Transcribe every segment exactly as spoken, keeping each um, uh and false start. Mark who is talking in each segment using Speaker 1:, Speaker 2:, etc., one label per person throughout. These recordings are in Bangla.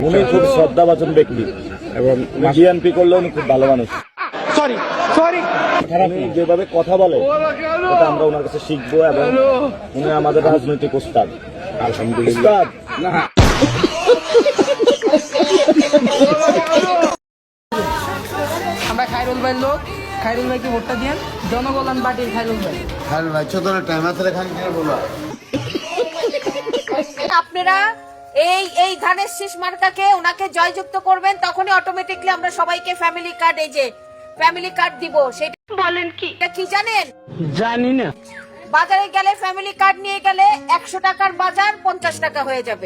Speaker 1: উনি খুব শ্রদ্ধাভাজন ব্যক্তি এবং বিএনপি করলেও উনি খুব ভালো মানুষ।
Speaker 2: সরি সরি
Speaker 1: উনি যেভাবে কথা বলে এটা আমরা ওনার কাছে শিখবো এবং উনি আমাদের রাজনৈতিক ওস্তাদ। আলহামদুলিল্লাহ।
Speaker 2: আমরা খায়রুল ভাই লোক, খায়রুল ভাইকে ভোটটা দিয়েন। জনকল্যাণ পার্টির খায়রুল ভাই।
Speaker 3: খায়রুল ভাই ছোট টাইম আছে খান কি বলবো।
Speaker 4: আপনারা এই এই ধানের শীষ মার্কাকে ওনাকে জয়যুক্ত করবেন, তখনই অটোমেটিকলি আমরা সবাইকে ফ্যামিলি কার্ড, এই যে ফ্যামিলি কার্ড দিব। সেটা বলেন কি কি জানেন?
Speaker 2: জানি না।
Speaker 4: বাজারে গেলে ফ্যামিলি কার্ড নিয়ে গেলে একশো টাকার বাজার পঞ্চাশ টাকা হয়ে যাবে।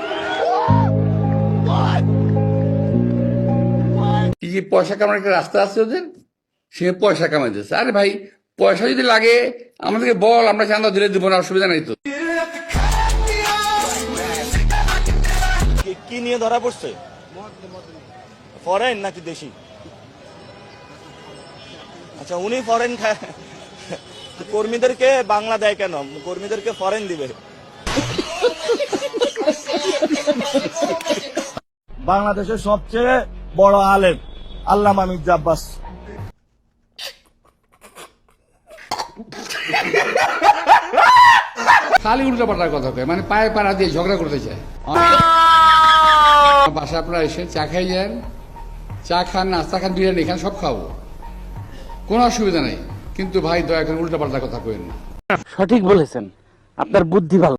Speaker 5: এই যে পয়সা কামানোর একটা রাস্তা আছে ওদের, সে পয়সা কামাইতেছে। আরে ভাই, পয়সা যদি লাগে আমাদেরকে বল, আমরা চান্দা দিলে দিব না, অসুবিধা নাই তো।
Speaker 1: কি নিয়ে ধরা পড়ছে? ফরেন নাকি দেশি? আচ্ছা, উনি ফরেন খায়, কর্মীদেরকে বাংলা দেয় কেন? কর্মীদেরকে ফরেন দিবে। বাংলাদেশের সবচেয়ে বড় আলেম আল্লামা মির্জা আব্বাস।
Speaker 5: খালি উল্টো পাল্টার কথা কয়, মানে পায়ে পাড়া দিয়ে ঝগড়া করতে চায়। বাসা আপনারা এসে চা খাই যান, চা খান, নাস্তা খান, বিরিয়ানি খান, সব খাবো, কোনো অসুবিধা নেই। কিন্তু ভাই দয়া করে উল্টো পাল্টা কথা কইেন না।
Speaker 2: সঠিক বলেছেন, আপনার বুদ্ধি ভালো।